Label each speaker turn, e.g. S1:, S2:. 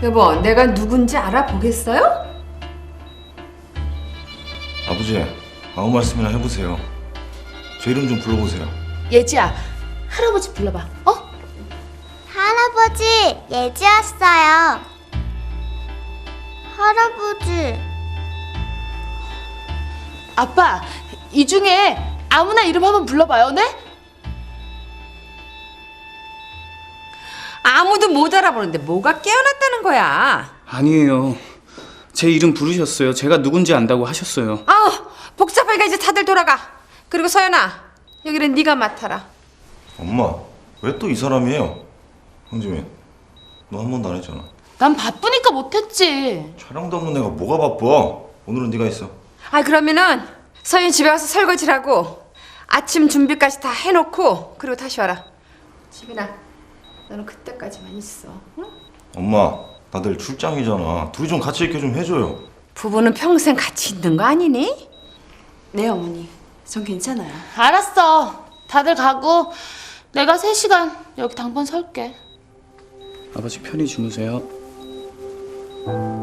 S1: 여보, 내가 누군지 알아보겠어요?
S2: 아버지, 아무 말씀이나 해보세요. 제 이름 좀 불러보세요.
S3: 예지야, 할아버지 불러봐. 어?
S4: 할아버지, 예지 왔어요. 할아버지.
S3: 아빠, 이 중에 아무나 이름 한번 불러봐요, 네?
S1: 아무도 못 알아보는데 뭐가 깨어났다는 거야?
S5: 아니에요. 제 이름 부르셨어요. 제가 누군지 안다고 하셨어요.
S1: 아우, 복잡하니까 이제 다들 돌아가. 그리고 서연아, 여기는 네가 맡아라.
S2: 엄마, 왜 또 이 사람이에요? 황지민, 너 한 번도 안 했잖아.
S3: 난 바쁘니까 못했지.
S2: 촬영도 없는 내가 뭐가 바빠? 오늘은 네가 있어.
S1: 아, 그러면은 서연 집에 와서 설거지를 하고 아침 준비까지 다 해놓고 그리고 다시 와라. 지민아, 너는 그때까지만 있어. 응?
S2: 엄마, 나 내일 출장이잖아. 둘이 좀 같이 있게 좀 해줘요.
S1: 부부는 평생 같이 있는 거 아니니?
S6: 네, 어머니. 전 괜찮아요.
S3: 알았어. 다들 가고 내가 3시간 여기 당번 설게.
S5: 아버지 편히 주무세요.